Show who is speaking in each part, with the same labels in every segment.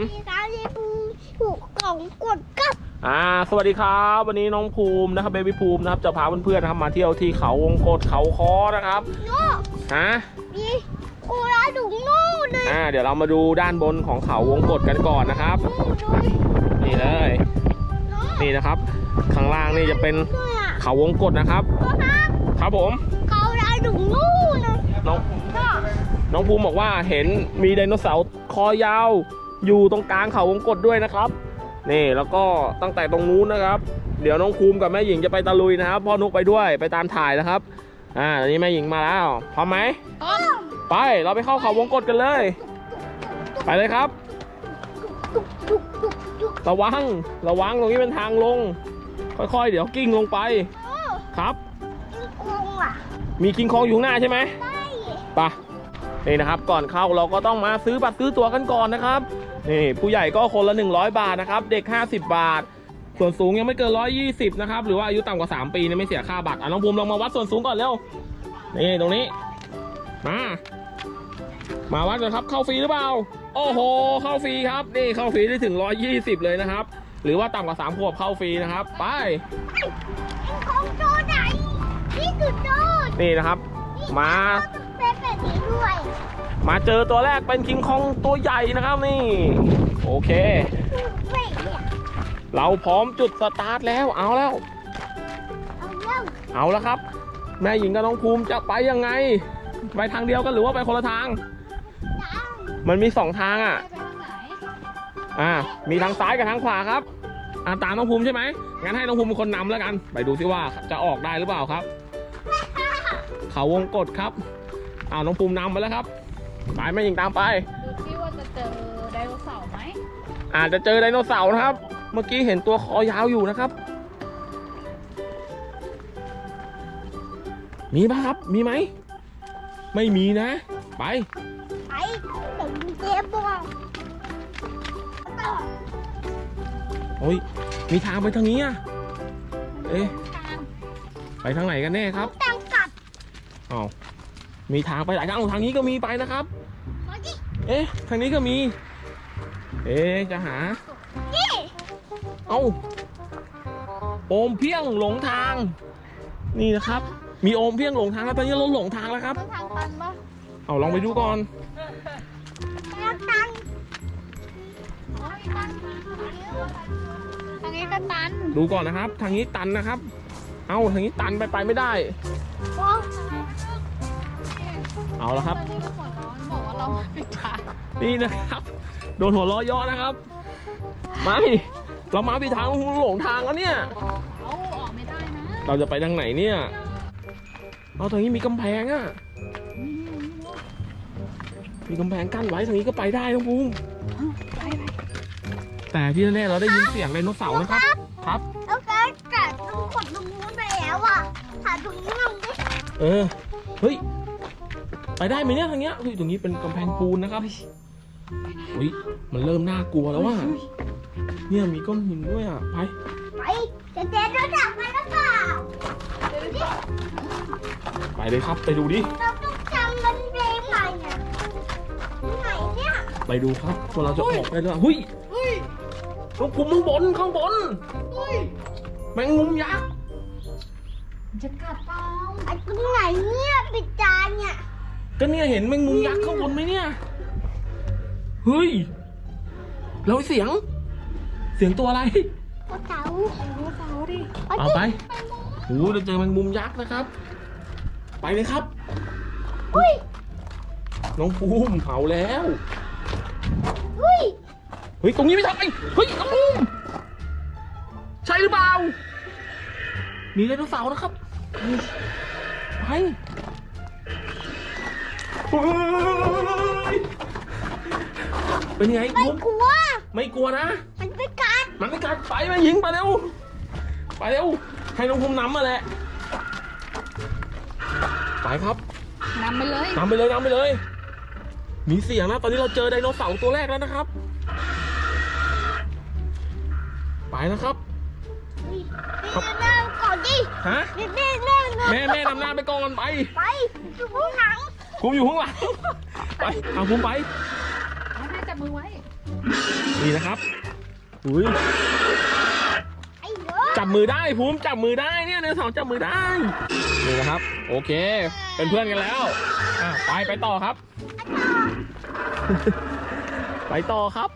Speaker 1: มีการเรียนผูกของกดกับ
Speaker 2: สวัสดีครับวันนี้น้องภูมินะครับเบบี้ภูมินะครับจะพาเพื่อนๆนะครับมาเที่ยวที่เขาวงกตเขาค้อนะครับ
Speaker 1: โน่มีกูราดุงโน่เลย
Speaker 2: เดี๋ยวเรามาดูด้านบนของเขาวงกตกันก่อนนะครับนี่เลยนี่นะครับข้างล่างนี่จะเป็นเขาวงกตนะครับครับผม
Speaker 1: เขาราดุงโน่เลย
Speaker 2: น้องภูมิบอกว่าเห็นมีไดโนเสาร์คอยาวอยู่ตรงกลางเขาวงกตด้วยนะครับนี่แล้วก็ตั้งแต่ตรงนู้นนะครับเดี๋ยวน้องภูมิกับแม่หญิงจะไปตะลุยนะครับพ่อนุกไปด้วยไปตามถ่ายนะครับตอนนี้แม่หญิงมาแล้วพร้อมไหมไปเราไปเข้าเขาวงกตกันเลยไปเลยครับระวังตรงนี้เป็นทางลงค่อยๆเดี๋ยวกิ้งลงไปครับมีคิงคองอยู่ข้างหน้าใช่ไหมไปนี่นะครับก่อนเข้าเราก็ต้องมาซื้อบัตรซื้อตั๋วกันก่อนนะครับนี่ผู้ใหญ่ก็คนละ100 บาทนะครับเด็ก50 บาทส่วนสูงยังไม่เกิน120นะครับหรือว่าอายุต่ำกว่า3 ปีเนี่ยไม่เสียค่าบัตรน้องภูมิลองมาวัดส่วนสูงก่อนเร็วนี่ตรงนี้มาวัดกันครับเข้าฟรีหรือเปล่าโอ้โหเข้าฟรีครับนี่เข้าฟรีได้ถึง120เลยนะครับหรือว่าต่ำกว่า3 ขวบเข้าฟรีนะครับไป
Speaker 1: ของโตไหนนี่คือโต
Speaker 2: นี่นะครับมาเจอตัวแรกเป็นคิงคองตัวใหญ่นะครับนี่โอเคเราพร้อมจุดสตาร์ทแล้วเอาแล้วครับแม่หญิงกับน้องภูมิจะไปยังไงไปทางเดียวกันหรือว่าไปคนละทางมันมี2 ทางมีทางซ้ายกับทางขวาครับตามน้องภูมิใช่ไหมงั้นให้น้องภูมิเป็นคนนำแล้วกันไปดูซิว่าจะออกได้หรือเปล่าครับเขาวงกตครับน้องภูมินำไปแล้วครับไปแม่หญิงตามไป
Speaker 3: ดูซิว่าจะเจอไดโนเสาร์ไหม
Speaker 2: อาจจะเจอไดโนเสาร์นะครับเมื่อกี้เห็นตัวคอยาวอยู่นะครับมีป่ะครับมีไหมไม่มีนะไป
Speaker 1: ถึงเจ๊บอก
Speaker 2: โอ้ยมีทางไปทางนี้ไปทางไหนกันแน่ครับ
Speaker 1: ทางกลับ
Speaker 2: มีทางไปหลายทางทางนี้ก็มีไปนะครับทางนี้ก็มีจะหาโอมเพียงหลงทางนี่นะครับมีโอมเพียงหลงทางแล้วตอนนี้เราหลงทางแล้วครับ
Speaker 3: ทางตันปะ
Speaker 2: ลองไปดูก่อน
Speaker 3: ทางนี้ก็ตัน
Speaker 2: ดูก่อนนะครับทางนี้ตันนะครับทางนี้ตันไปไม่ได้เอาแล้วครับ
Speaker 3: บอกว่าเราผิดทาง
Speaker 2: นี่นะครับโดนหัวล้อย่อนะครับไม่เรามาผิดทางหลงทางแล้วเนี่ย
Speaker 3: ออกไม่ได้นะ
Speaker 2: เราจะไปทางไหนเนี่ยทางนี้มีกำแพงมีกำแพงกั้นไว้ทางนี้ก็ไปได้นะภูมิแต่ที่แน่ๆเราได้ยินเสียงไดโนเสาร์นะครับ
Speaker 1: แล้วก็จัดต้องกดตรงนู้นไปแล้วหาตรงนี้ลงดิ
Speaker 2: เฮ้ยไปได้ไหมเนี่ยทางเนี้ยตรงนี้เป็นกำแพงปูนนะครับมันเริ่มน่ากลัวแล้วเนี่ยมีก้อนหินด้วย
Speaker 1: ไปจะเดินรถจักรไปหรือเปล่า
Speaker 2: ไปเลยครับไปดูดิ
Speaker 1: เราต้องจำมันเองไหนเนี่ย
Speaker 2: ไปดูครับว่าเราจะออกได้หรือเปล่าน้องภูมิข้างบนแมงมุมยักษ์
Speaker 3: จะกัดเปล่า
Speaker 1: ตรงไหนเนี่ยปิดจานเนี่ย
Speaker 2: ก็เนี่ยเห็นแมงมุมยักษ์ข้างบนไหมเนี่ยเฮ้ยแล้วเสียงตัวอะไร
Speaker 1: เต่า
Speaker 3: ดิ
Speaker 2: เอาไปเราเจอแมงมุมยักษ์นะครับไปเลยครับน้องภูมิเผาแล้วตรงนี้ไม่ทำน้องภูมิใช่หรือเปล่ามีไดโนเสาร์นะครับไปเป็นไง
Speaker 1: ไม่ก
Speaker 2: ลัวนะ
Speaker 1: มันไม่กัด
Speaker 2: ไปมายิงไปเร็วให้น้องภูมินำมาแหละไปครับ
Speaker 3: นำไป
Speaker 2: เลยมีเสียงนะตอนนี้เราเจอไดโนเสาร์ตัวแรกแล้วนะครับไปนะครับ
Speaker 1: แม่ก่อนดิ
Speaker 2: แม่นำหน้าไปก่อนไป
Speaker 1: อยู่ข้างหลัง
Speaker 2: ภูมิอยู่ข้างหลังไปภูมิไป
Speaker 3: แม่จับมือไว้
Speaker 2: นี่นะครับอุ้ย
Speaker 1: ไอ้เด้อ
Speaker 2: จับมือได้ภูมิจับมือได้เนี่ยไดโนเสาร์จับมือได้นี่นะครับ โอเค เป็นเพื่อนกันแล้วไปต่อครับ ไปต่อครับ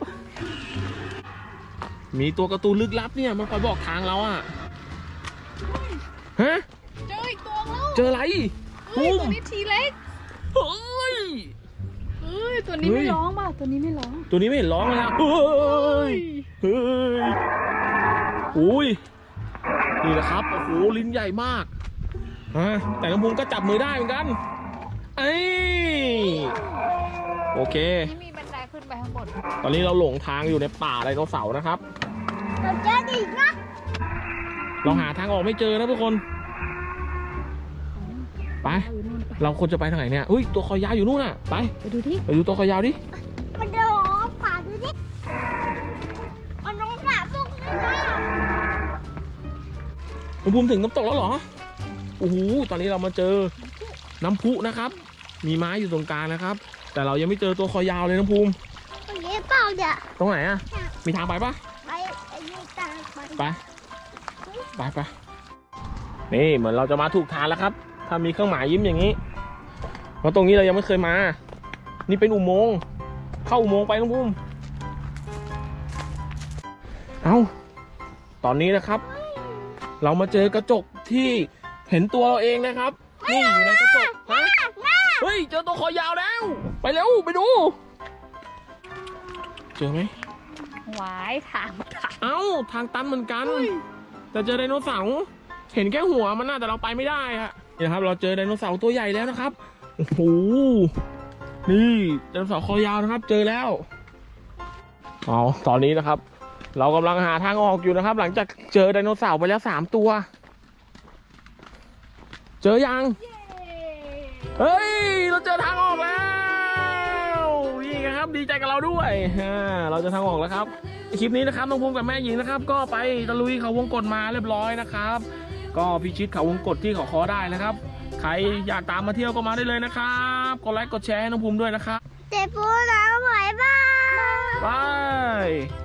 Speaker 2: มีตัวการ์ตูนลึกลับเนี่ยมันคอยบอกทางเราอะฮะ
Speaker 3: เจออีกตัวแล้ว
Speaker 2: เจออะไร
Speaker 3: เฮ้ย
Speaker 2: ภู
Speaker 3: ตัว
Speaker 2: มิ
Speaker 3: นี้ทีเล็ก
Speaker 2: เฮ้ย
Speaker 3: เฮ้ยตัวนี้
Speaker 2: เฮ้
Speaker 3: ไม่
Speaker 2: ย
Speaker 3: ร้องป่ะตัวนี้ไม่ร้อง
Speaker 2: ตัวนี้ไม่เห็นร้องเลยนะเฮ้ยเฮ้ยอุ้ยนี่แหละครับโอ้โหลิ้นใหญ่มากแต่น้องภูมิก็จับมือได้เหมือนกันเอ้ยโอเค
Speaker 3: นี่มีบันไดขึ้นไปข้างบน
Speaker 2: ตอนนี้เราหลงทางอยู่ในป่าไดโนเสาร์นะครับ
Speaker 1: เราเจออีกนะ
Speaker 2: เราหาทางออกไม่เจอนะทุกคน ไป
Speaker 3: อยู่นู่นไป
Speaker 2: เราควรจะไปทางไหนเนี่ยอุ้ยตัวคอยาวอยู่นู่นน่ะไป
Speaker 3: ไปดูที่
Speaker 2: ไปดูตัวคอยาวดิ
Speaker 1: มันเดินออกป่าดูดิมันน้องหนาพวกนี้นะ
Speaker 2: น้องภูมิถึงน้ำตกแล้วเหรอโอ้โหตอนนี้เรามาเจอน้ำพุนะครับ มีไม้อยู่ตรงกลางนะครับ แต่เรายังไม่เจอตัวคอยาวเลยน้องภูมิ
Speaker 1: ตรงนี้เปล่าเนี่ย
Speaker 2: ตรงไหนอะมีทางไปปะ
Speaker 1: ไปไอ้นี่ตามไป
Speaker 2: ไปนี่เหมือนเราจะมาถูกทางแล้วครับ ถ้ามีเครื่องหมายยิ้มอย่างนี้เพราะตรงนี้เรายังไม่เคยมา นี่เป็นอุโมงค์เข้าอุโมงค์ไปน้องภูมิเอาตอนนี้นะครับ เรามาเจอกระจกที่เห็นตัวเราเองนะครับ นี่อยู่ในกระจกฮะเฮ้ยเจอตัวคอยาวแล้ว ไปเร็วไปดู เจอไหม
Speaker 3: หวายทาง
Speaker 2: เอ้าทางตันเหมือนกัน แต่เจอไดโนเสาร์เห็นแค่หัวมันน่ะแต่เราไปไม่ได้อะนี่นะครับ เราเจอไดโนเสาร์ตัวใหญ่แล้วนะครับโอ้โหนี่ไดโนเสาร์คอยาวนะครับ เจอแล้วเอาตอนนี้นะครับ เรากำลังหาทางออกอยู่นะครับ หลังจากเจอไดโนเสาร์ไปแล้ว3 ตัว เจอยังเฮ้ยเราเจอทางออกแล้วนี่ครับดีใจกับเราด้วยเราจะทางออกแล้วครับคลิปนี้นะครับน้องภูมิกับแม่หญิงนะครับ ก็ไปตะลุยเขาวงกตมาเรียบร้อยนะครับ ก็พิชิตเขาวงกตที่เขาคอได้นะครับ ใครอยากตามมาเที่ยวก็มาได้เลยนะครับกดไลค์กดแชร์ให้น้องภูมิด้วยนะครับ
Speaker 1: เจ็บปูแล้วไหวบ้าง
Speaker 2: บาย